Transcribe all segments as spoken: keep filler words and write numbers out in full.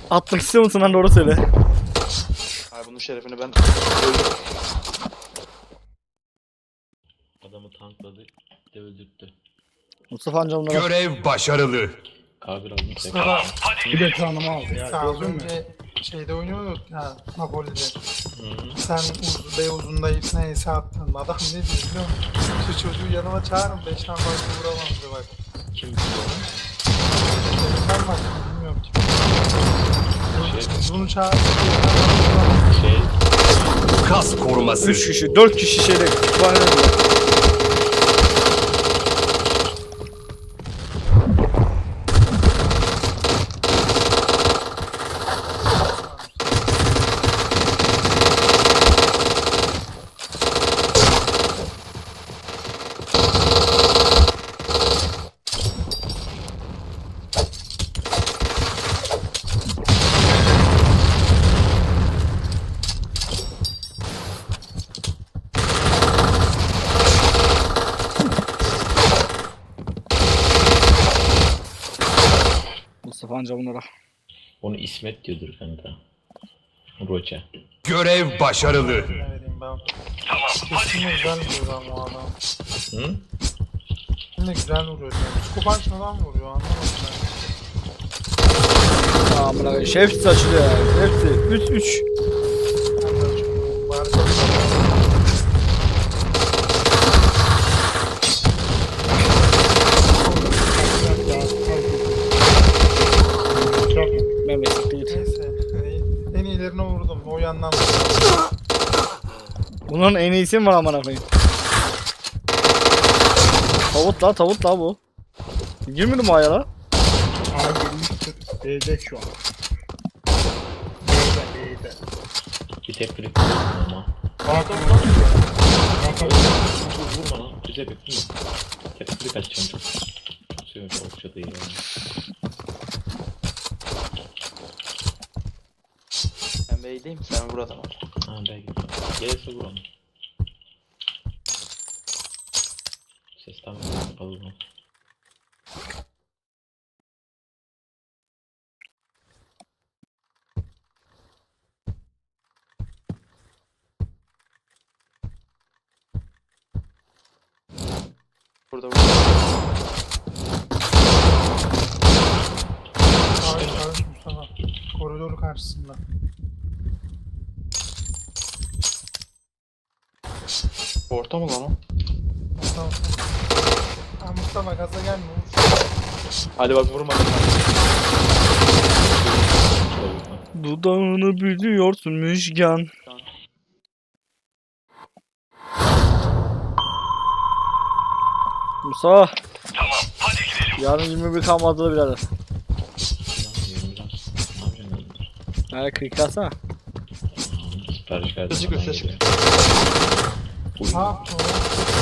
Atmak istiyor musun lan, doğru söyle. Ay bunun şerefini ben öldüm. Adamı tankladı, de öldürttü. Mustafa amca onlara. Görev başarılı. Kabir aldım Mustafa Bir de canımı aldı ya. sen az Gördün mü? önce şeyde oynuyorduk ya Napoli'de. Hı-hı. Sen uz bey uzunda ipne ise attın. Adam ne diyor biliyor musun? Şu çocuğu yanıma çağırın beşten fazla vuramam diyor bak. Kim biliyor? Sen bak bilmiyorum kim. Şey, Bunu çağır. şey, Kas koruması. üç kişi, dört kişi şeyde. Kütüphane önünde. Mustafa amca bunlara. onu İsmet diyordur kanka. Roça. Görev başarılı. Ne vereyim ben. Tamam. Kesin güzel vuruyor lan bu adam. Hı? Yine güzel vuruyor. Kupaç falan vuruyor anlamadım ben. Amına koyayım. Hepsi açılıyor ya. Hepsi. üç üç. Ben de açıyorum. Bari Mehmet değil. neyse. En iyilerine vurdum. O yandan vurdum. Bunların en iyisi mi var amına koyayım? Tavut la, tavut la bu. Girmedi mi aya la? Aa girmiştir. B'de şu an. B'de B'de. Bir tek klik ama. Hakan bakıyor. Hakan Vurma lan, bize bekliyor. Tek klik açacağım çok. Seviyorum çok çok iyi yani. Ben beydeyim sen vur adamı. Ha belki. Gelirse vur onu. Ses tamam kapalı mı? Burada vur. Çağır çağır Mustafa. Koridoru karşısında. Orta mı lan o? Mustafa. Ha, Mustafa gaza gelme. Hadi bak vurma. Dudağını büyüyorsun Müjgan. Musa. Tamam, hadi gidelim. Yarın yirmi bir kalmadı birader. Nerede kırık alsana. Sipariş verdim. Sesi göster çık. Ne yaptı o?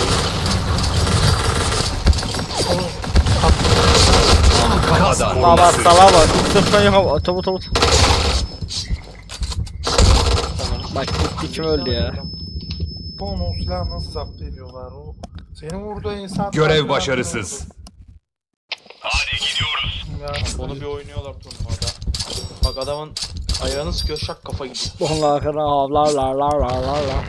Kas Baba koruması. salağa bak. Sırttan yok. Tavut tavut. Bak gitti, kim öldü ya? Bu onu o silahı nasıl zapt ediyorlar o? Senin vurduğu insan... Görev başarısız. Ya, Onu bir oynuyorlar turnuvada. Bak adamın ayağını sıkıyor şak kafa gidiyor. Onlar arkadan havlarlar lar lar lar lar.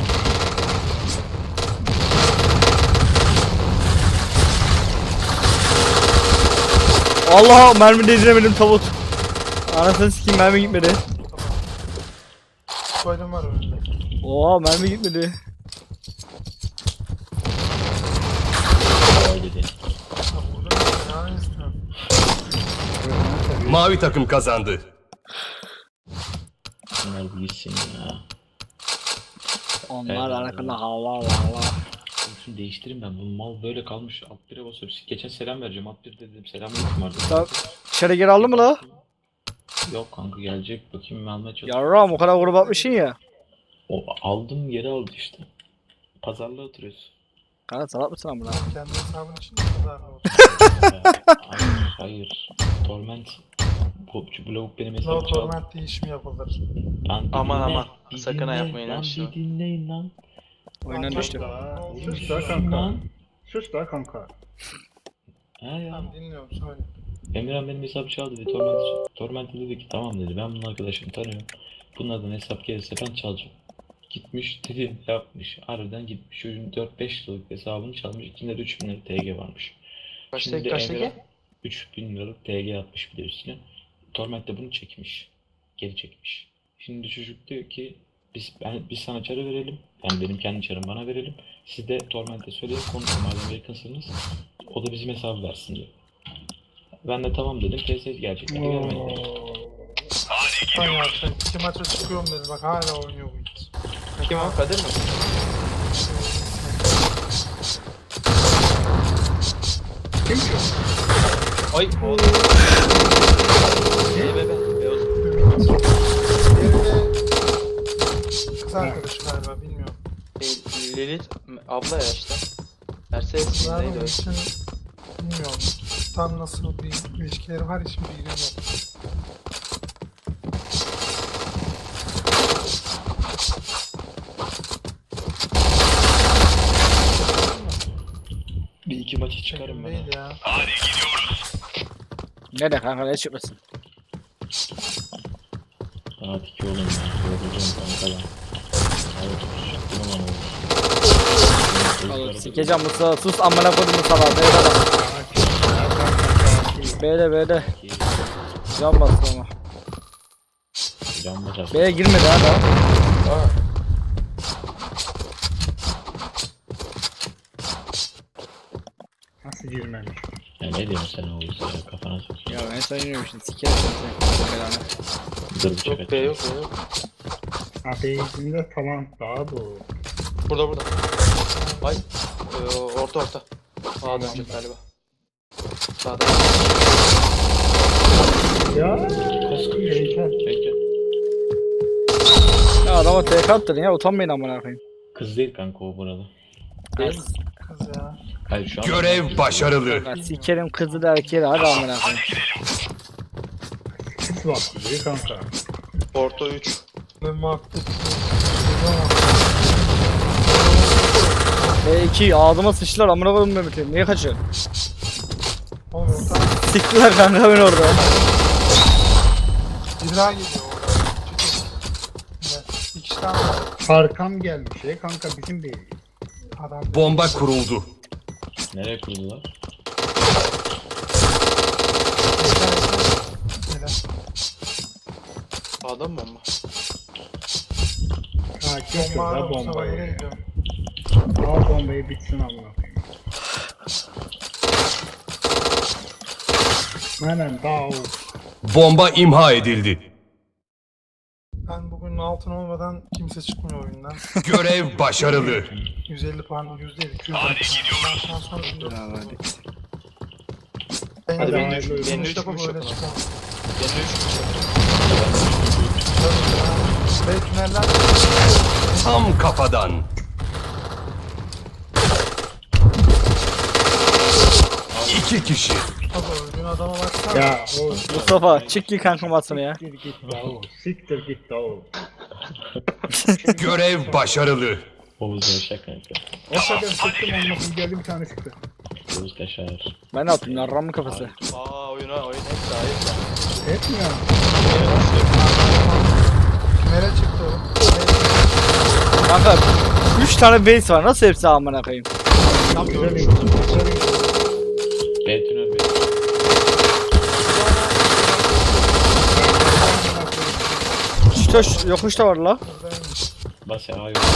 Allah, mermi değdiremedim tavut. Anasını sikeyim, mermi gitmedi. Koydum var önünde. Oha, mermi gitmedi. Dedi. Ha, burada ne ya istiyorsun? Mavi takım kazandı. Bunlar bir gitsin ya. Onlar Evet. arkadan havlarlar lar. Şunu değiştireyim ben. Bu mal böyle kalmış. Alt bire basıyor. Geçen selam vereceğim. Alt bir dedim. Selam yok mu Tamam. vardı? İçeri geri aldın mı la? Yok kanka gelecek. Bakayım ben almaya çalışıyorum. Yarram, o kadar grup atmışsın ya. O aldım geri aldı işte. Pazarlığa oturuyoruz. Kanka salak mısın amına? Kendi hesabın için mi kadar oldu? hayır, hayır. Torment. Bu, bu lavuk benim No hesabı çaldı. torment değişimi yapılır. Lan bir Aman, dinle, aman. bir Sakın dinle, ha yapmayın lan öyle şey. bir dinleyin lan. Oyundan Tamam, düştü. tamam. Sus da kanka. Lan. Sus da kanka. Ha ya. Tamam dinliyorum söyle. Emirhan benim hesabı çaldı dedi. Torment, Torment dedi ki tamam dedi. Ben bunun arkadaşını tanıyorum. Bunlardan hesap gelirse ben çalacağım. Gitmiş dedim yapmış. Harbiden gitmiş. Çocuğun dört beş liralık hesabını çalmış. İçinde de üç bin liralık T G varmış. Kaçtaki kaçtaki? üç bin liralık T G atmış bir de üstüne. Torment de bunu çekmiş. Geri çekmiş. Şimdi çocuk diyor ki biz ben biz sana çarı verelim. Yani benim kendi çarım bana verelim. Siz de Torment'e söyleyin konuşun madem yakınsınız. O da bizim hesabı versin diyor. Ben de tamam dedim. T S gerçekten de gelmedi. Ay arkadaşlar iki maça çıkıyorum dedi bak hala oynuyor bu it. Kim o? Kadir mi? Kim ki? Ay oğlum. Be be be. Beyaz. Diğeri de kız arkadaşı galiba bilmiyorum. Şey, Lilith abla ya işte. Mercedes Ben neydi onun o? için bilmiyorum. Tam nasıl bir ilişkileri var hiçbir bilgim yok. Bir iki maçı çıkarım ben. Değil ya. Ne de kanka ne çıkmasın. Saat iki oğlum ya. Yorulacağım kanka ben. Evet, çıktım ama Oğlum oğlum. sikeceğim Musa sus amına koydum Musa B'de bak. B'de B'de. Can bastı ama. Can basar. B'ye girmedi ha daha. Aa. Nasıl girmemiş? Ya ne diyorsun sen oğlum ya kafana sok. Ya ben sana yürüyorum sikerim seni belanı. Dur bıçak Yok be atacağım. yok be yok. Ateizmde falan daha bu. Burada burada. Ay. Ee, orta orta. Sağa dönecek galiba. Sağda. Ya. Kaskı Heykel. Bekle. Ya adama T K attırdın ya utanmayın amına koyayım. Kız değil kanka o burada. Değil mi? Kız ya. Hayır şu an. Görev başarılı. Ya sikerim kızı da erkeği de hadi amına koyayım. Sis var diyor kanka. Orta üç. Ve muhabbet. B iki ağzıma sıçtılar amına koydum Mehmet'im. Niye kaçıyor? Oğlum orta Siktiler kanka beni orada. bir daha geliyor orada. Evet. İki tane var. Arkam gelmiş ya kanka bizim değil. Adam. Bomba kuruldu. Nereye kurdular? Neden? Sağda mı bomba? Ha kim Bomba şurada var. Bomba nereye bombayı. gidiyor? Al bombayı bitsin amına koyayım. Hemen daha Bomba imha edildi. Ben bugün altın olmadan kimse çıkmıyor oyundan. Görev başarılı. yüz elli puan, yüzde elli, iki yüz elli puan. Ben sonra bin dört yüz hadi. Ben Hadi de beni ben üç- de beni üç üç yapıp gümüş öyle yapın. çıkalım. Yeni üç. Ve tüneller Tam kafadan. İki kişi. tabi öldüğün adama baksana. ya o. Mustafa çık ki kanka maçını ya. Siktir git davul. Siktir git davul. Görev başarılı. Oğuz yaşa kanka. O kadar sıktım olmasın geldi bir tane çıktı. Oğuz kaşar. Ben ne yapayım lan ramın kafası. Aa oyuna oyun hep daha iyi. Etmiyor. Tünele çıktı o. Kanka üç tane base var nasıl hepsi amına koyayım. Tam Güzel görmüş iyi. oldum. Güzel iyi. B tünel B. Şuta yokuş da var la. Buradaymış. Bas ya hayır.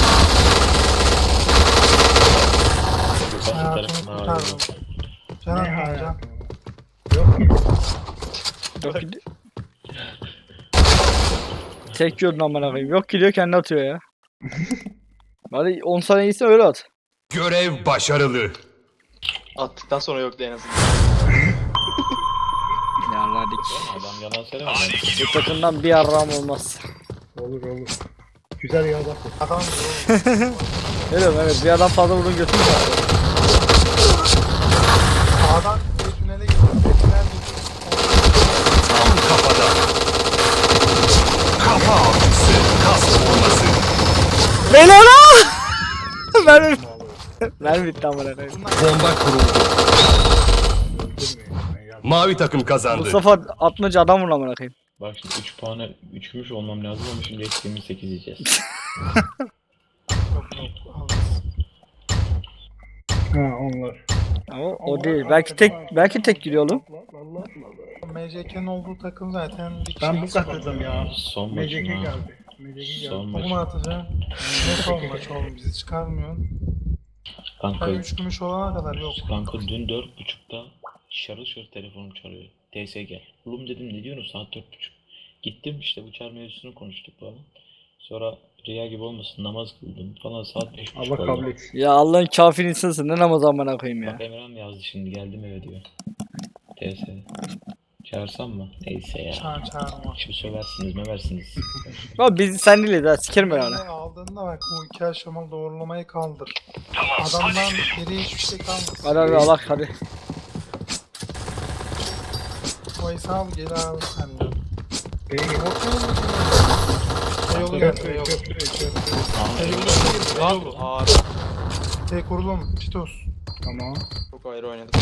Basın Hayatımı tarafına hayır. kurtardım. Can Ne atma can. hayatım? Yok ki. Yok gidiyor. Tek yordun amına koyayım. Yok gidiyor kendi atıyor ya. Hadi on saniye gitsin öyle at. Görev başarılı. Attıktan sonra yoktu en azından. Yarladık. Adam yalan söylemedi. Bu takımdan bir yarram olmaz. Olur olur. Güzel ya bak. Adam oğlum. Ne diyorum evet bir adam fazla vurun götürür zaten. Sağdan bir tünele gidiyor. Bir tünel gidiyor. Tam kafadan. Kafa avcısı. Kas vurması. Beyler la! Mermi. Mermi bitti amına koyayım. Bunlar Bomba kuruldu. Öldürmeyin. Ben Mavi takım kazandı. Mustafa atmaca adam vur amına koyayım. Bak şimdi üç puana üç gümüş olmam lazım ama şimdi eksi yirmi sekiz yiyeceğiz. Yok yok. alırız. Ha onlar. Ama o değil. Belki tek belki tek giriyor oğlum. Allah Allah Allah. M C K'nin olduğu takım zaten bir kişi Ben bu eksik katıldım oldu. ya. Son M C K maçım ha. geldi. M C K geldi. Son Bu mu maçım. atacağım? Ne son maç oğlum bizi çıkarmıyorsun. Kanka, Ben üç gümüş olana kadar yok. kanka dün dört buçukta şarıl şarıl telefonum çalıyor. T S gel. Oğlum dedim ne diyorsun saat dört buçuk. Gittim işte bu çağır mevzusunu konuştuk falan. Sonra rüya gibi olmasın namaz kıldım falan saat beş Allah buçuk kabul oldu. etsin. Ya Allah'ın kafir insansın. Ne namaz amına koyayım ya. Bak Emre'm yazdı şimdi geldim eve diyor. T S. Çağırsam mı? Neyse ya. Çağır çağırma. Şimdi söversiniz meversiniz. Abi biz sen değil daha sikerim ben Yani hala. aldığında bak bu iki aşamalı doğrulamayı kaldır. Adamdan geriye hiçbir şey kalmaz. Hadi hadi Allah hadi. O hesabı geri al sen de. Bey Orta yolu mu? E yolu gel. E köprü yolu. köprü köprü. E yolu gir. E Lan yolu. ağır. T kurulum. Çitos. Tamam. Çok ayrı oynadık.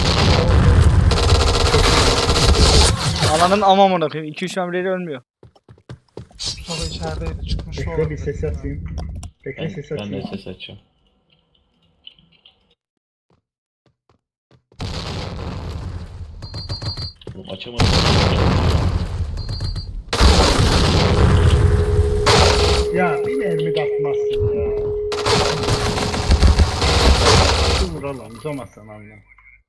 Ananın ama amına koyayım. iki üç memleri ölmüyor. Mustafa içerideydi. Çıkmış Bekle olabilir. bir ses atayım. Bekle Ben, ses ben de atayım. ses açacağım. Oğlum açamadım. Ya bir mermi de atmazsın ya. Şu vuralım uzamazsan anlam.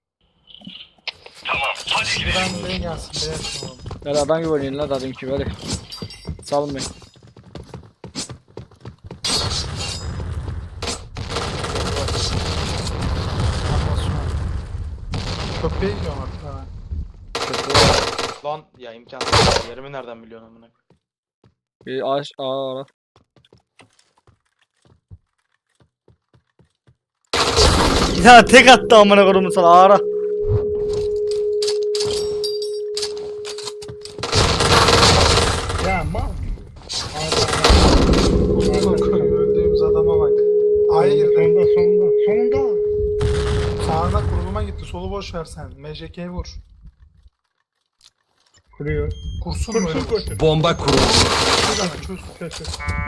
Ben B'ye gelsin. B'ye yapalım. Hadi adam gibi oynayın lan adam gibi hadi. Salın beni. Atmasyon. Köpeğe gidiyorum artık ha. Lan ya imkansız. Yerimi nereden biliyorsun amına? Bir ağaç ağa ara. Ya tek attı amına koyayım sana ağa ara. Ya mal. Öldüğümüz adama bak. A'ya girdi. Sonunda sonunda. Sonunda. Sağına kuruluma gitti. Solu boş ver sen. M J K'ye vur. Kuruyor. Kursun Kursun böyle. kursun. Bomba kuruldu. Çöz hemen, çöz. Kötü.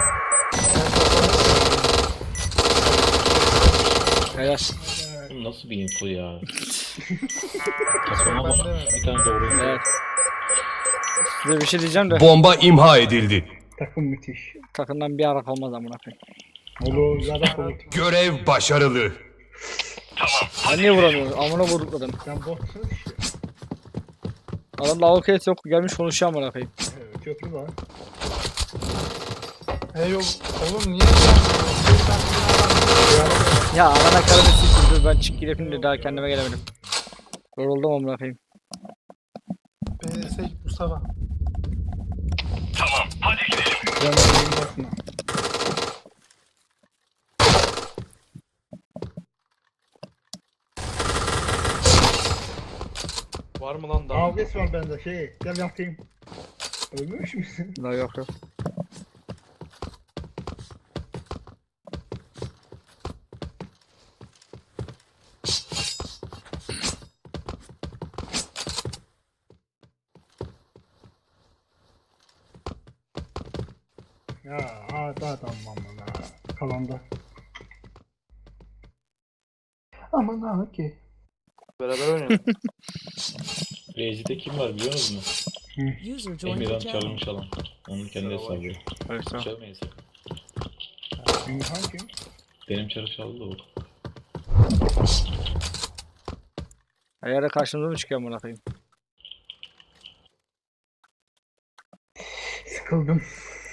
Helal. Oğlum nasıl bir info ya? Takıma bak. Ben de- Bir tane doğru info. Evet. Size bir şey diyeceğim de Bomba imha edildi. Takım müthiş. takımdan bir ara olmaz amına koyayım. Olur zaten olur. Görev başarılı. Ben niye vuramıyorum? Amına vurduklarım. Sen botsun işte. Adam lavuk et yok gelmiş konuşuyor amına koyayım. Evet, köprü var. Hey yol. Oğlum niye sen? Ya arana karını siktir dur ben çık gideyim de daha kendime gelemedim. Yoruldum amına koyayım. B S Mustafa. Ben olayım bakma. Var mı lan daha? Avges var bende şey. Gel yatayım. Ölmüş müsün? La yok yok. Ya hadi adam aman ha. Kalanda. Aman ha ki. Beraber oynayalım. Rezi'de kim var biliyor musunuz? User joined Emirhan your channel. çalmış alan. Onun kendi hesabı. Evet tamam. Çalmayın sakın. Ünhan kim? Benim çarı çaldı da o. Ayarda karşımıza mı çıkıyor amına koyayım? Sıkıldım.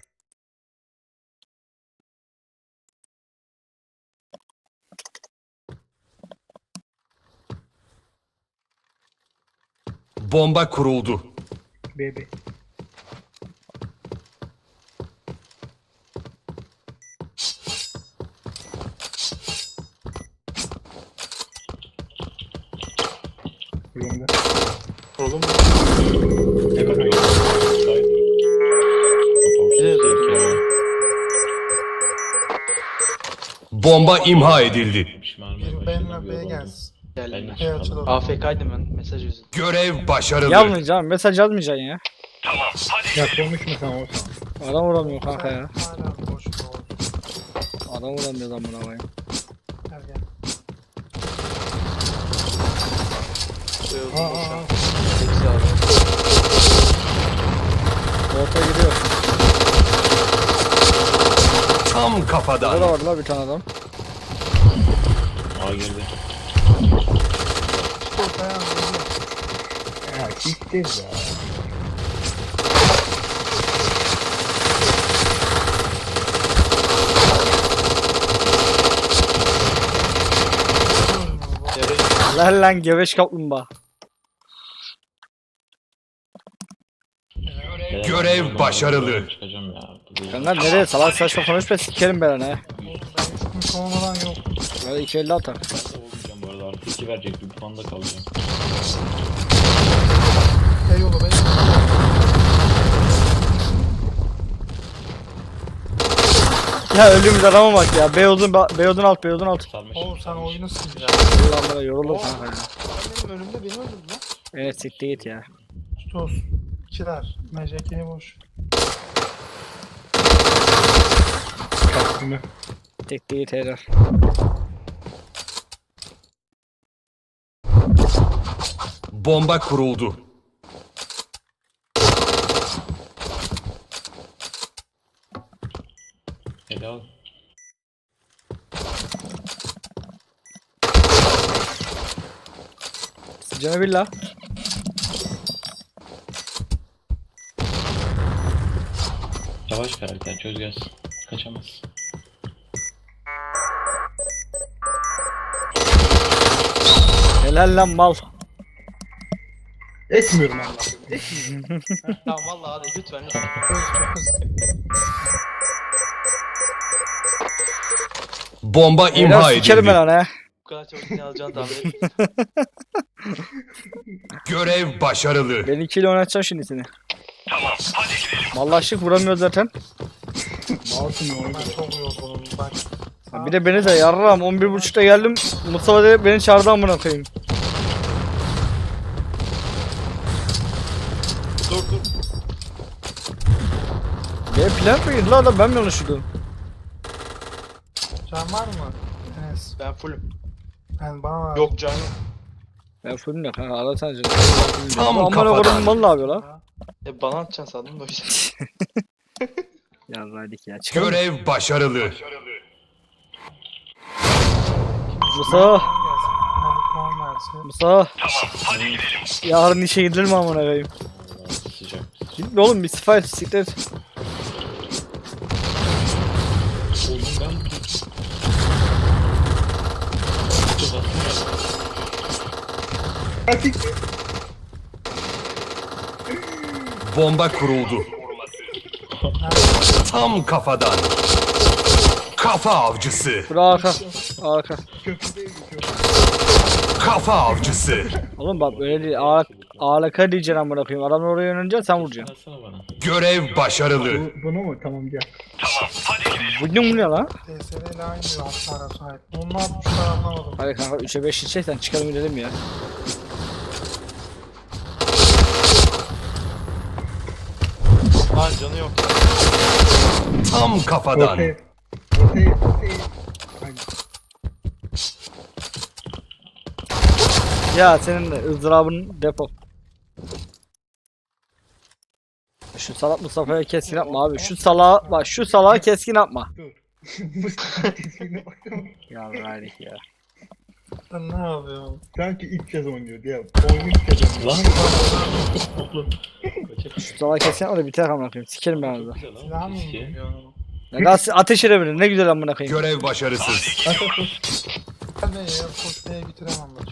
Bomba kuruldu. Bebe. Kurulumda. Kurulum. Ne kadar? Bomba imha edildi. Pişmanım. Bir benle B gelsin. Geldim Ben ben. hiç Evet, alamadım. açıldı. A F K'ydım ben mesaj yüzünden. Görev başarılı. Yazmayacaksın. Mesaj yazmayacaksın ya. Ya konuşma sen olsun. Adam vuramıyor kanka ya. Hala boş boş. Adam vuramıyor lan buna koyayım. Gel gel. Beyozun Aa, boşa. aa. Hepsi abi. Orta giriyor. Tam Burada kafadan. da var lan bir tane adam. A girdi. Ortaya geliyor. Ya siktir ya. Yarı Lan lan geveş kaplumbağa. Beyler, Görev ben başarılı. buradan Çıkacağım ya. Bu değil. Kanka nereye salak saçma konuşma sikerim ben ha. Hiç olmadan yok. Böyle iki elli atar. Olmayacağım bu arada. Artı iki verecek. Bir puanda kalacağım. Beyoğlu Beyoğlu. Ya öldüğümüz adama bak ya. Beyozun Beyozun alt Beyozun alt. Sarmışım. Oğlum sen sarmışım. oyunu sil ya. Ulan bana yoruldum Oo. kanka ya. Sen benim önümde beni öldürdün lan. Evet siktir git ya. Tutos. İkiler. M J K'yi boş. Kaçtığını. Siktir git herif. Bomba kuruldu. Helal. Canı billah. Yavaş karakter. Çöz gelsin. Kaçamaz. Helal lan mal. Etmiyorum Allah'ım. Tamam valla hadi lütfen lütfen. Bomba Helal imha sikerim ben edildi. lan ha. Bu kadar çabuk ne alacağını tahmin ettim. Görev başarılı. Beni ikiyle oynatacağım şimdi seni. Mallaşık vuramıyor zaten. Mouse'un oyunu. Ben çok yorgunum. Bak. Ha, bir de beni de yarram on bir buçukta geldim. Mustafa da beni çağırdı amına koyayım. Dur dur. Benim plan mıydı lan adam ben mi yanlış duydum? Can var mı? Enes. Ben fullüm. Ben bana ver. Yok can yok. Ben fullüm ya kanka arasana canım. Tam Amına kafadan. koyayım mal ne yapıyor lan? E bana atacaksın sandım da o yüzden. Yarraydık ya çıkalım. Görev başarılı. Mustafa. Gelsin. Hadi puan versin. Mustafa. Yarın işe gidilir mi amına koyayım? Vallahi sıcak. Gitme oğlum bir sıfır siktir. Oğlum ben... Çöz attım ya. Ya siktir. Bomba kuruldu. Tam kafadan. Kafa avcısı. Bura arka. Arka. Köprü değil mi köprü? Kafa avcısı. Oğlum bak böyle değil. Ağla, ağlaka diyeceksin amına koyayım. Adamlar oraya yönelince sen vuracaksın. Versene bana. Görev başarılı. Bu, bunu mu? Tamam gel. Bugün bu ne lan? D S R ile aynı hasara sahip. Bunu ne yapmışlar anlamadım. Hadi kanka üçe beş içeceksen çıkalım gidelim ya. Lan canı yok. Tam kafadan. Ortaya. Ortaya. Ortaya. Aynen. Ya senin de ızdırabın depo. Şu salak Mustafa'ya keskin atma abi. Şu salağa bak şu salağa keskin atma. Dur. Mustafa kesine baksana. Ya verdik ya. Ben ne yapıyorum? Sanki ilk kez oynuyor diye. Oyunu ilk kez oynuyor. Lan. Şu salağa keskin atma da biter amına koyayım. Sikerim ben orada. Silah mı Keşke. indiriyor? Ya nasıl ateş edebilir ne güzel amına koyayım. Görev başarısız. At at at. Ben de ya koşmaya bitiremem maçı.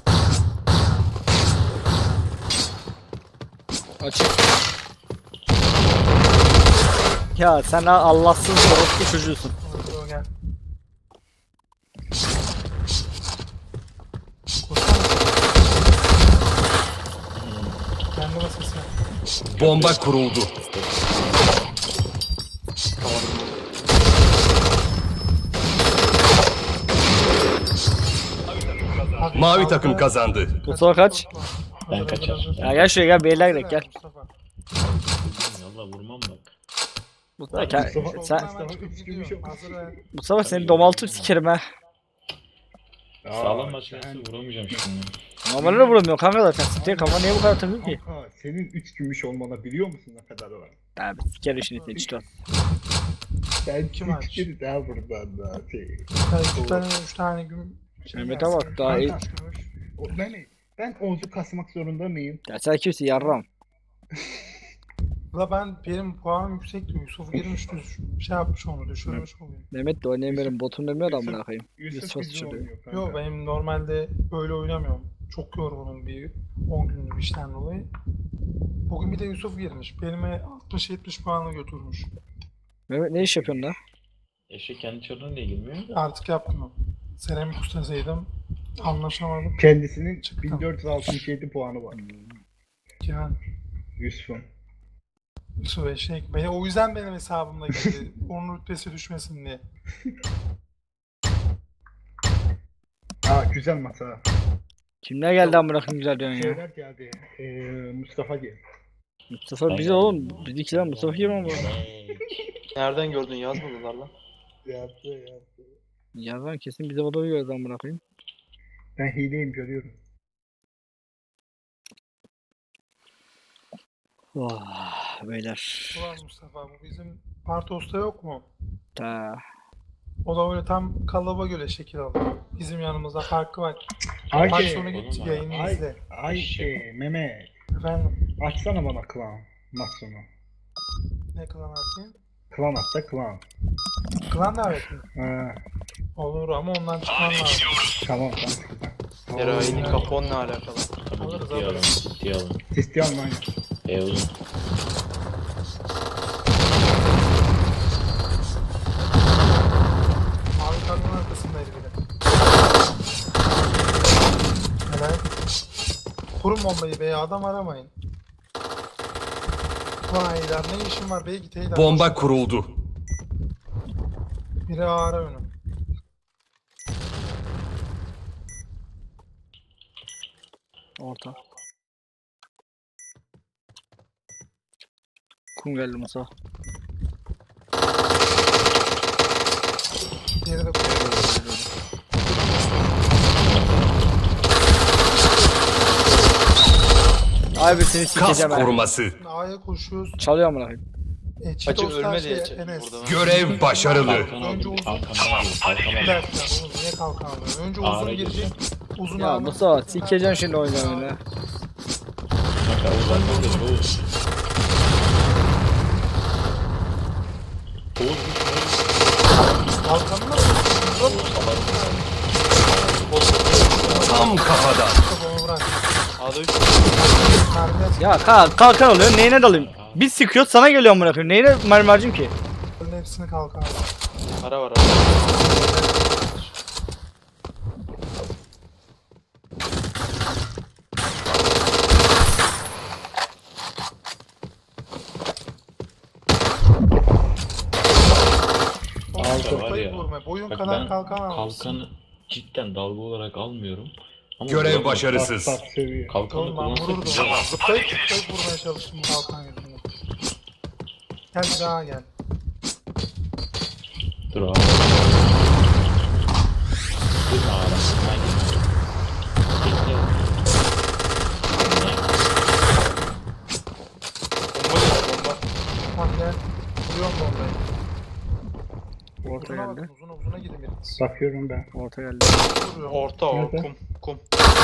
Açık. Ya sen ha Allahsız orospu çocuğusun. Hadi o gel. Koşsana. Kendi basası. Bomba kuruldu. Hadi Mavi takım kazandı. Mustafa kaç? Ben Hazır, kaçar. hazır, hazır. Ya gel şuraya gel beyler Hazır direkt gel. Mustafa. Valla vurmam bak. Mustafa, gel- Mustafa- sen, Hemen çıkıp gidiyorum. Hazır ver. Mustafa seni domaltıp sikerim ha. Sağlam Aa, başlayası sen- vuramayacağım şimdi. Normalde de vuramıyor kanka zaten. Siktir kafa niye bu kadar takıyor ki? Kanka senin üç gümüş olmana biliyor musun ne kadar var? Abi siker işini seni işte. Ben Kim üç aç? kere daha buradan da şey. Sen iki tane, üç tane gün. şey Mehmet'e gelsin. bak, daha iyi. Kaç kuruş? O- Ben, ben Oğuz'u kasmak zorunda mıyım? Ya sen kimsin yarram? La ben benim puanım yüksekti. Yusuf girmiş düş, şey yapmış onu düşürmüş oluyor. Mehmet de oynayamıyorum botum demiyor da amına koyayım. Yusuf Yusuf bizi sıçrıyor. oynuyor kanka. Yok benim normalde böyle oynamıyorum. Çok yorgunum bir on günlük işten dolayı. Bugün bir de Yusuf girmiş. Benime altmış yetmiş puanı götürmüş. Mehmet ne iş yapıyorsun da? Eşek kendi çarına niye girmiyor? Artık yaptım onu. Seramik ustasıydım. Anlaşamadım. Kendisinin Çıktım. bin dört yüz altmış yedi puanı var. Yani Yusuf'un. Yusuf eşek. Beni, o yüzden benim hesabımda girdi. Onun rütbesi düşmesin diye. Aa güzel masa. Kimler geldi amına koyayım güzel diyorsun ya. Şeyler geldi. Ee, Mustafa geldi. Mustafa bize oğlum. Bizdekiler Mustafa kim ama? Nereden gördün yazmadılar lan. Yaptı yaptı. Ya ben kesin bize odayı gördü amına koyayım. Ben hileyim görüyorum. Vah beyler. Ulan Mustafa bu bizim Partos'ta yok mu? Ta. O da öyle tam kalıba göre şekil alıyor. Bizim yanımızda farkı var. Ay Maç şey, sonu git oğlum, yayını ay, izle. ay şey, Mehmet. Efendim Açsana bana klan. Maç sonu. ne klan atayım? Klan at da klan. Klan davet mi? Ha, Olur ama ondan çıkman lazım. tamam ben çıkacağım. Eroini kapon ne alakalı? Tabii Alırız, ciddiye alın. alırız. Ciddiye alın. İstiyorum lan. E oğlum. Mavi kadının arkasındaydı bir de. Helal. Kurun bombayı be adam aramayın. Vay lan ne işin var be git Eydan. Bomba kuruldu. Biri ara önü. Orta. Kum geldi Musa. Diğeri de kuruyor. Ay be seni Kas sikeceğim ha. koruması. A'ya koşuyoruz. Çalıyor amına koyayım. E, Açık Çitos'tan ölme şey, diye çek Enes. burada. Görev başarılı. Kalkan Önce aldım. uzun. Kalkan aldım. Kalkan Bir aldım. dakika oğlum niye kalkan alıyorsun? Önce Ağra uzun gireceğim. girecek. Uzun Ya ağrı- Musa sikeceğim şimdi oyunu oyunu. Kanka Oğuz arkamda dur Oğuz. Oğuz Kalkanına mı? Tam kafadan. Kafamı bırak. A'da üç. Mermi Ya kalk kalkan oluyor neyine dalayım? Biz sıkıyoruz sana geliyor amına koyayım. Neyine mermi harcayayım ki? atın hepsini kalkan. Ara var ara. Kanka var Kafayı ya. vurma. Boyun Bak kadar ben kalkan almışsın. kalkanı cidden dalga olarak almıyorum. Ama Görev vuramıyorum. başarısız. Bak bak seviyor. Kalkanı Oğlum ben kullansak vururdum güzel. ama zıplayıp zıplayıp vurmaya çalıştım bu kalkan yüzünden. Gel bir daha gel. Dur abi. Dur abi. Ben gittim. Bekle. Bomba değil bomba. Tamam gel. Vuruyorum bombayı. Orta Uzuna geldi. bakın uzuna uzuna gidin biriniz. Bakıyorum ben. Orta geldi. Vuruyorum. Orta o Nerede? kum kum.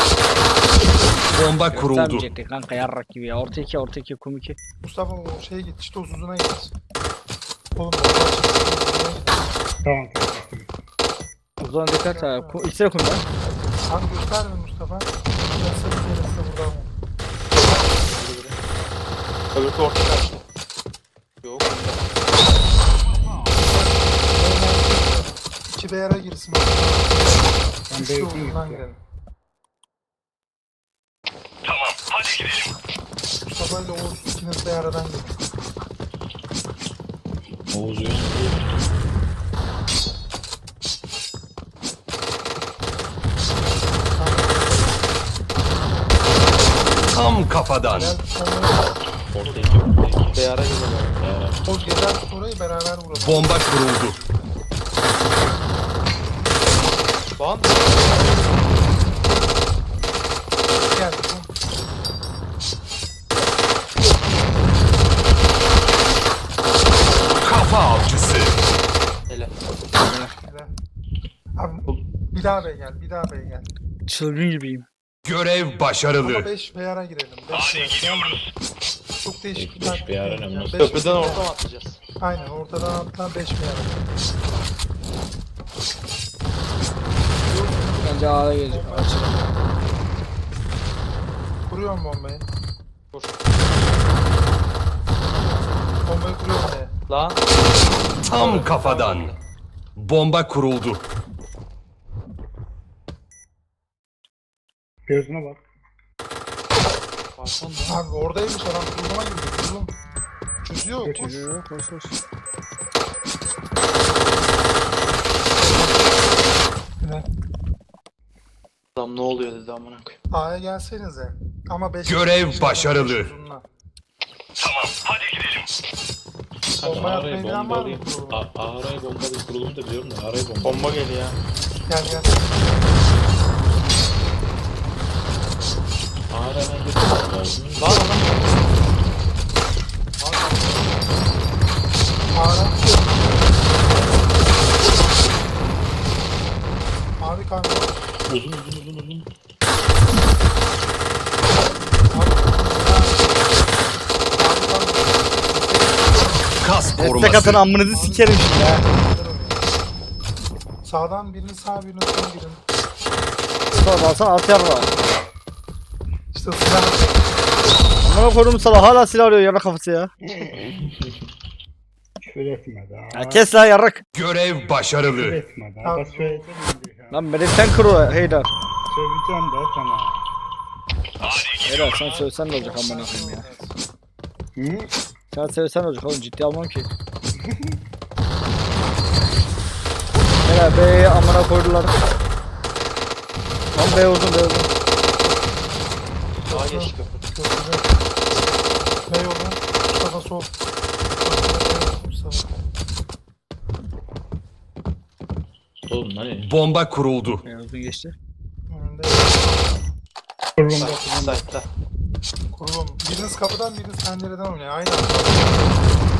Bomba kuruldu. Göstermeyecekti kanka yarrak gibi ya. Orta iki orta iki kum iki. Mustafa o şeye git. İşte uzuna git. Oğlum bomba çıktı. Uzuna git. Tamam. Uzun dikkat ha. Kum, ikisi de kum lan. Sen gösterme Mustafa. Ben seni gelirse buradan vur. Öbürkü orta kaçtı. Yok. İki B R'a girsin. Ben Üçlü de uzundan girelim. Tamam hadi gidelim. Mustafa ile Oğuz ikiniz B R'dan girin. Oğuz uyan. Tamam. Tam kafadan. Helal. Sonra Orta iki, orta iki. Beyara geliyor. Beyara. o gezer orayı beraber vuralım. Bomba kuruldu. Lan Gel. Kafa avcısı. hele. Helal. Abi bir daha B'ye gel. Bir daha B'ye gel. Çılgın gibiyim. Görev Ama başarılı. beş B R'a girelim. beş B R. Çok değişik bir beş taktik. B R ne yani. bu nasıl? beş Köprüden B R. orta mı atlayacağız? Aynen ortadan atla beş B R. Bence A'ya gelecek. Açılın. Kuruyorum bombayı. Vur. Bombayı kuruyorum B'ye. Lan. Tam kafadan. Bomba kuruldu. Gözüne bak. Arkanda. Abi oradaymış adam kuruluma girdi. Kurulum. Çözüyor. Koş. Çözüyor. Koş koş. Evet. Adam ne oluyor dedi amına koyayım. A'ya gelsenize. Ama beş Görev beş- başarılı. beş uzunla. Kanka Bomba araya yapmayı bilen var mı bombalıyım. kurulumu? A- Araya bombalıyım kurulumu da biliyorum da araya bombalıyım. Bomba geliyor. Gel gel. Araya ben götürmem lazım. Lan adam. A'ya. Abi kanka. Uzun uzun uzun uzun. Kas Destek koruması. atın amınızı sikerim şimdi ha. Sağdan birini sağ birini sol girin. Sonra alsana at yarra. İşte silah. Amına koydum sabah hala silah arıyor yarra kafası ya. Küfür etme daha. Ya kes lan yarrak. Görev Küfür başarılı. etme daha. Abi, Bak söyleyeceğim şimdi ya. Lan beni sen kuru Heydar. Söyleyeceğim de sana. Heydar sen söylesen ne olacak amına koyayım ya. Hı? Sen söylesen ne olacak oğlum ciddi almam ki. Heydar B'ye amına koydular. Lan B uzun B uzun. Daha geçti köprü. Köprüde. Ne yolu? Mustafa sol. Mustafa. Oğlum hani Bomba kuruldu. B uzun geçti. Önünde. Kurulumda Site'da. Kurulum. Biriniz kapıdan biriniz pencereden oynuyor. Aynı anda.